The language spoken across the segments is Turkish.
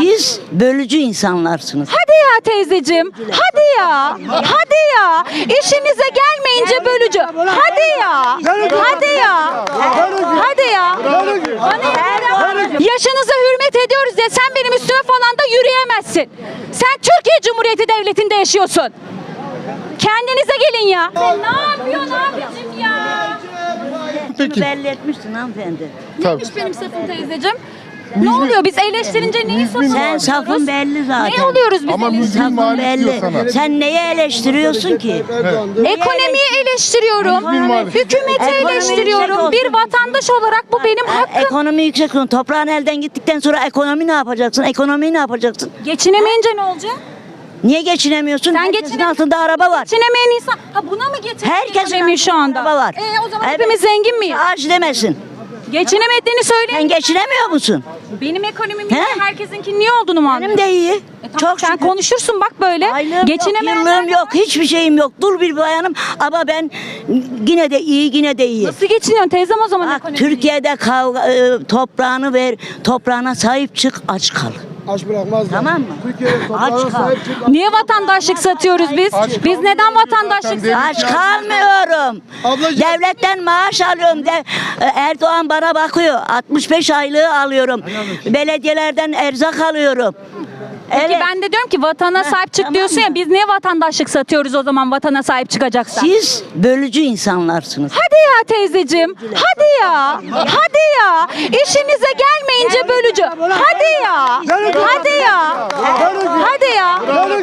Siz bölücü insanlarsınız. Hadi ya teyzeciğim. Hadi ya. Hadi ya. İşinize gelmeyince bölücü. Hadi ya. Hadi ya. Hadi ya. Yaşınıza hürmet ediyoruz ya, sen benim üstüme falan da yürüyemezsin. Sen Türkiye Cumhuriyeti Devleti'nde yaşıyorsun. Kendinize gelin ya. Sen ne yapıyorsun abicim ya? Peki. Belli etmişsin hanımefendi. Neymiş benim safım teyzeciğim? Ne oluyor? Biz eleştirince neyi savunuyoruz? Sen safın belli zaten. Ne oluyoruz biz Ama eleştirince? müzmin Safın muhalif diyor belli. sana. Sen neyi eleştiriyorsun ki? Ekonomiyi eleştiriyorum. muhalif. Hükümeti Ekonomi eleştiriyorum. yüksek Bir vatandaş olarak bu benim hakkım. Ekonomi yüksek olsun. Toprağın elden gittikten sonra ekonomi ne yapacaksın? Ekonomiyi ne yapacaksın? Geçinemeyince ne olacak? Niye geçinemiyorsun? Sen Herkesin altında araba var. Geçinemeyen insan. Ha buna mı getirdin Herkesin ekonomiyi şu anda? araba var. O zaman Evet. hepimiz zengin miyiz? Ağaç demesin. Geçinemediğini Sen söyleyin. geçinemiyor musun? Benim ekonomim He? iyi, herkesinkin niye olduğunu mu Benim anlıyorsun? de iyi. Tamam, sen şükür. konuşursun bak böyle. Aylığım Geçinemeyenler yok, yıllığım yok, hiçbir şeyim yok. Dul bir bayanım ama ben yine de iyi, yine de iyi. Nasıl geçiniyorsun teyzem o zaman Bak, ekonomiyi? Türkiye'de toprağını ver, toprağına sahip çık, aç kal. Aç bırakmaz. Tamam mı? Türkiye'de Aç toprağına kal. sahip çık. Niye vatandaşlık satıyoruz biz? Biz neden vatandaşlık satıyoruz? Aç kalmıyorum. Ablacığım. Devletten maaş alıyorum. Erdoğan bana bakıyor. 65 aylığı alıyorum. Belediyelerden erzak alıyorum. Peki ben de diyorum ki vatana sahip çık tamam diyorsun ya, mı? biz niye vatandaşlık satıyoruz o zaman vatana sahip çıkacaksak? Siz bölücü insanlarsınız. Hadi ya teyzeciğim. Hadi ya. Hadi ya. İşinize gelmeyince bölücü. Hadi ya. Hadi ya. Hadi ya.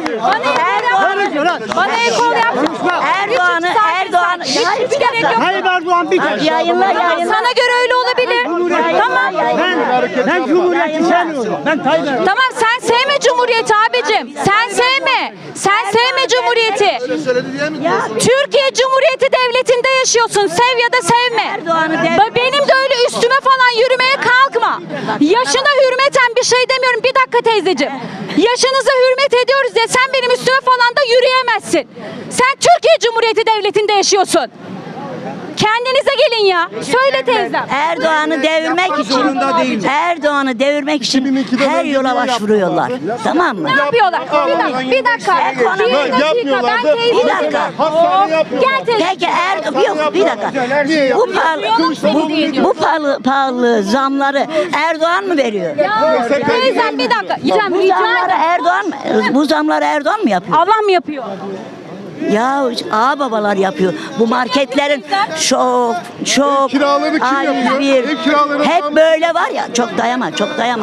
Bana ekol yapma. Erdoğan'ı Hiç gerek yok. Tayyip Erdoğan bir kez. yayınla. Sana göre öyle olabilir. Tamam. Ben Cumhuriyet'i sevmiyorum. Ben Tayyip Erdoğan. Tamam, sen sevme Cumhuriyeti abicim. Sen sevme. Sen sevme Cumhuriyeti. Türkiye Cumhuriyeti Devleti'nde yaşıyorsun. Sev ya da sevme. Benim de öyle üstüme falan yürümeye kalkma. Yaşına hürmeten bir şey demiyorum. Bir dakika teyzeciğim. Yaşınıza hürmet ediyoruz ya, sen benim üstüme falan da yürüyemezsin. Sen Türkiye Cumhuriyeti Devleti'nde yaşıyorsun. Kendinize gelin ya. Söyle teyzem. Erdoğan'ı devirmek için her yola başvuruyorlar. Tamam mı? Ne yapıyorlar? Bir dakika. Bir dakika. Ben teyzem. Bir dakika. Gel teyze. Peki yok bir dakika. Bu pahalı zamları Erdoğan mı veriyor? Ya teyzem bir dakika. Bu zamları Erdoğan mı yapıyor? Allah mı yapıyor? Ya ağababalar yapıyor. Bu marketlerin çok kiraları kim yapıyor? Ev kiraları hep tam- böyle var ya, çok dayama.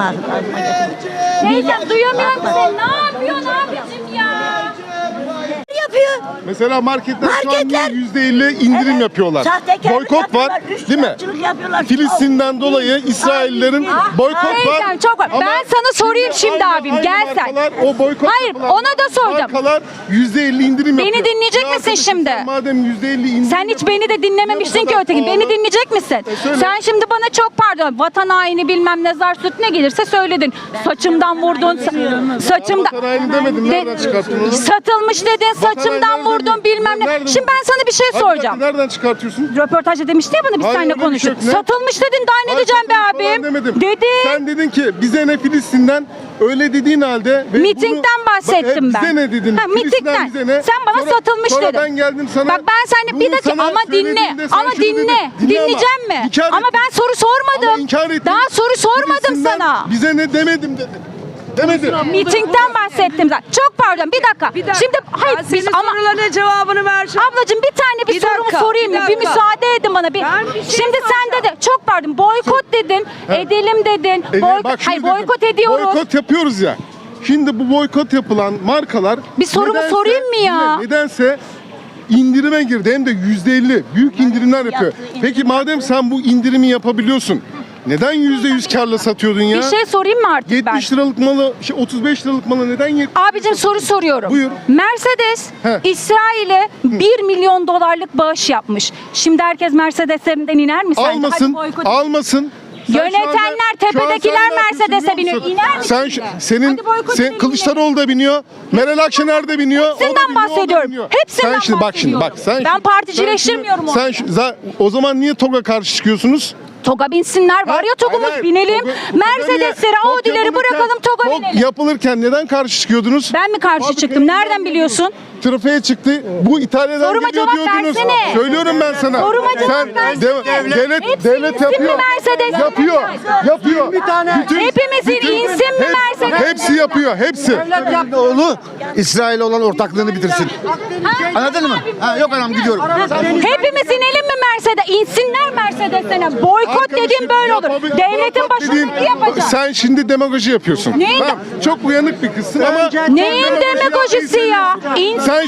Teyzem duyamıyorum seni. Ne yapıyorsun abicim ya? Yapıyor. Mesela marketler şu an Marketler- %50 indirim yapıyorlar. Sahtekarlık Boykot var, yapıyorlar, değil mi? üçkağıtçılık yapıyorlar. Filistin'den dolayı İsraillerin boykot var. Teyzem çok var. Ama Ben sana sorayım şimdi abim. aynı Gel sen. markalar, o boykot Hayır, yapılan ona da soracağım. Markalar %50 indirim Beni yapıyor. dinleyecek Ya misin arkadaşım, şimdi? sen madem %50 indirim Sen hiç beni de dinlememişsin ki öteki. Beni dinleyecek misin? söyle. Sen şimdi bana çok pardon. Vatan haini bilmem ne zar süt ne gelirse söyledin. Saçımdan vurdun. Saçımdan. Vatan haini demedim, nereden çıkarttın onu? Satılmış dedin. Saçımdan haini vurdun nereden- bilmem ne. nereden- Şimdi ben sana bir şey Hadi soracağım. bakayım, nereden çıkartıyorsun? Röportajda demişti ya bana biz Hayır, seninle öyle bir şey konuştuk. yok. Ne? Satılmış dedin, daha ne Hayır, diyeceğim be satılmış falan abim? demedim. Dedin. Sen dedin ki bize ne Filistin'den, öyle dediğin halde. ve Mitingden bahsettim ben. Bize ne dedin? Ha, Filistin'den mitingden. bize ne? Sen bana satılmış sonra dedin. ben geldim sana. Bak ben seninle bir bunu dakika sana ama dinle. söylediğimde sen Ama şunu dinle. dedin. Dinle ama. Dinleyeceğim mi? İnkar Ama ettin. ben soru sormadım. Ama inkar ettin. Daha soru sormadım Filistin'den sana. Bize ne demedim dedim. Demedim. Mitingden bahsettim zaten. Çok pardon bir dakika. Şimdi hayır biz ama sorularına cevabını vereceğim. ablacığım bir tane bir Bir sorumu dakika, sorayım mı? bir Bir dakika. müsaade edin bana bir. Ben bir şey Şimdi sen de çok pardon boykot dedin. Edelim dedin. Bak şunu Hayır dedim. boykot ediyoruz. Boykot yapıyoruz ya. Şimdi bu boykot yapılan markalar Bir sorumu sorayım mı ya? Nedense indirime girdi, hem de %50 büyük indirimler yapıyor. Peki madem sen bu indirimi yapabiliyorsun, neden %100 karla satıyordun ya? Bir şey sorayım mı artık ben? 70 liralık malı, 35 liralık malı neden Abicim soru soruyorum. Buyur. Mercedes He. İsrail'e 1 milyon dolarlık bağış yapmış. Şimdi herkes Mercedes'lerinden iner mi sence? almasın, Hadi boykot- almasın. Sen şu Yönetenler, anda- şu an tepedekiler sen ne yapıyorsun Mercedes'e biliyor biniyor. musun? İner misin Sen yine? senin Hadi boykot edelim Kılıçdaroğlu da biniyor, Meral Akşener de biniyor. o da Hepsinden biniyor, o da bahsediyorum. biniyor. Hepsinden Sen şimdi bak bahsediyorum. sen Ben particileştirmiyorum sen o zaman niye TOG'a karşı çıkıyorsunuz? TOG'a binsinler. Var ya TOG'umuz, Hayır, binelim. TOG'u Mercedes'leri, TOG Audi'leri yapılırken- bırakalım TOG'a TOG binelim. yapılırken neden karşı çıkıyordunuz? Ben mi karşı Fabrikaya çıktım? Nereden gidenler biliyorsun? Trafiğe çıktı. Bu İtalya'dan Soruma geliyor cevap diyordunuz. versene. Söylüyorum ben sana. Soruma cevap Sen versene. devlet Hepsi devlet insin mi yapıyor. Mercedes? Yapıyor. Yapıyor. Hepimizin insin mi Mercedes? Hepsi yapıyor. Hepsi. Oğlu İsrail olan ortaklığını bitirsin. Anladın mı? Ha, yok anam gidiyorum. Hepimiz inelim mi Mercedes? İnsinler Mercedes'e. Boykot Arkadaşım, dediğim böyle olur. yapabil- Devletin boykot başına dediğin- ne yapacak? Sen şimdi demagoji yapıyorsun. Neyin- Tamam, çok uyanık bir kızsın ama Neyin demagojisi ya? sen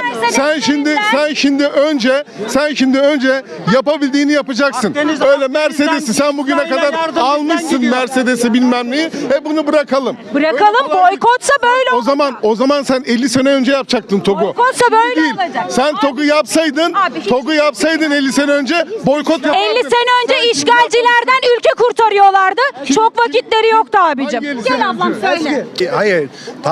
şimdi önce yapabildiğini yapacaksın. Öyle Mercedes'i sen bugüne kadar almışsın, Mercedes'i bilmem neyi. Bunu bırakalım. Bırakalım, boykotsa böyle olur. O zaman sen 50 sene önce yapacaktın TOG'u. Boykotsa böyle Değil. olacak. Sen TOG'u yapsaydın, Abi hiç- TOG'u yapsaydın 50 sene önce boykot yapardın. 50 sene önce işgalcilerden ülke kurtarıyorlardı. Çok vakitleri yoktu abicim. Hangi 50 Gel sene ablam önce? söyle. Hayır.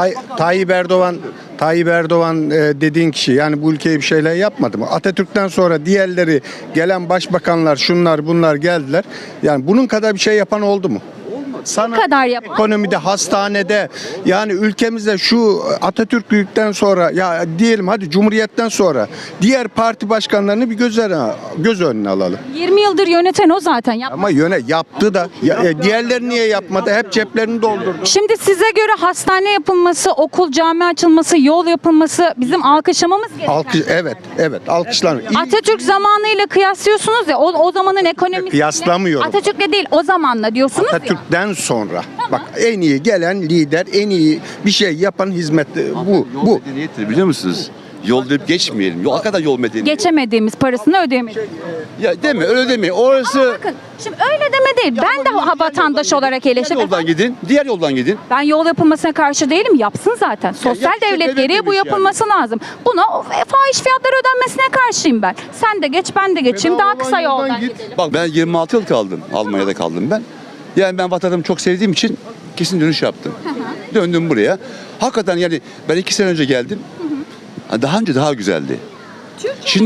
Tayyip Erdoğan dediğin kişi yani bu ülkeye bir şeyler yapmadı mı? Atatürk'ten sonra diğerleri gelen başbakanlar şunlar bunlar geldiler. Yani bunun kadar bir şey yapan oldu mu? Sana kadar yapan? ekonomide, hastanede yani ülkemizde şu Atatürk'lükten sonra ya diyelim hadi Cumhuriyet'ten sonra diğer parti başkanlarını bir göz önüne alalım. 20 yıldır yöneten o zaten. Ama yaptı da diğerleri niye yapmadı? Hep ceplerini doldurdu. Şimdi size göre hastane yapılması, okul, cami açılması, yol yapılması bizim alkışlamamız gerekiyor. Evet alkışlanır. İyi- Atatürk zamanıyla kıyaslıyorsunuz ya, o zamanın ekonomisi. Kıyaslamıyorum. Atatürk'le değil, o zamanla diyorsunuz ya. Atatürk'ten sonra bak en iyi gelen lider, en iyi bir şey yapan hizmet bu. Yol medeniyettir biliyor musunuz? Yol deyip geçmeyelim. Yol kadar yol medeniyeti. Geçemediğimiz parasını ödeyemedik. Ya deme öyle deme. Orası Bakın şimdi öyle deme değil. Ben de vatandaş olarak diğer eleştiriyorum. yoldan gidin. Diğer yoldan gidin. Ben yol yapılmasına karşı değilim. Yapsın zaten. Sosyal yapacak devlet devlet gereği bu demiş yapılması lazım. Buna fahiş fiyatlar ödenmesine karşıyım ben. Sen de geç, ben de geçeyim. Daha kısa yoldan gidelim. Bak ben 26 yıl kaldım. Almanya'da kaldım ben. Yani ben vatanımı çok sevdiğim için kesin dönüş yaptım. Döndüm buraya. Hakikaten yani ben 2 sene önce geldim. Daha önce daha güzeldi. Şimdi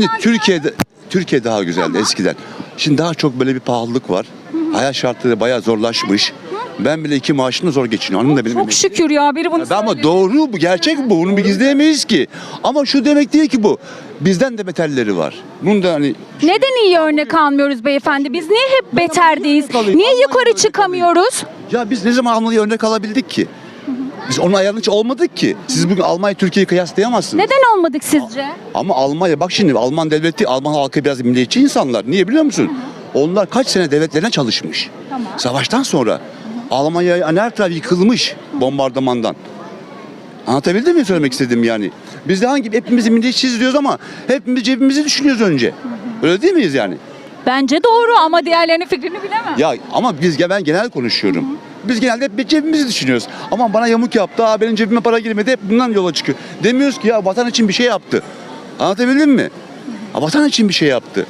Türkiye daha güzeldi eskiden. Şimdi daha çok böyle bir pahalılık var. Hayat şartları bayağı zorlaşmış. Ben bile 2 maaşımla zor geçiniyorum. Hanım da benim Çok şükür ya, biri bunu ama söyledi. doğru bu, gerçek bu. Bunu bir gizleyemeyiz ki. Ama şu demek değil ki bu. Bizden de beterleri var. Bunu da hani Neden iyi örnek almıyoruz beyefendi? Biz niye hep beterdeyiz? Niye yukarı çıkamıyoruz? ya biz ne zaman Almanya'ya örnek alabildik ki? Biz onun ayarının hiç olmadık ki. Siz bugün Almanya Türkiye'yi kıyaslayamazsınız. Neden olmadık sizce? Ama Almanya bak şimdi Alman devleti, Alman halkı biraz milliyetçi insanlar. Niye biliyor musun? Onlar kaç sene devletlerine çalışmış. Savaştan sonra Almanya her taraf yıkılmış bombardımandan. Anlatabildim mi söylemek istediğim yani? Biz de hepimiz milliyetçiyiz diyoruz ama hepimiz cebimizi düşünüyoruz önce. Öyle değil miyiz yani? Bence doğru ama diğerlerinin fikrini bilemem. Ya ama ben genel konuşuyorum. Biz genelde hep cebimizi düşünüyoruz. Ama bana yamuk yaptı, benim cebime para girmedi, hep bundan yola çıkıyor. Demiyoruz ki ya vatan için bir şey yaptı. Anlatabildim mi? Vatan için bir şey yaptı.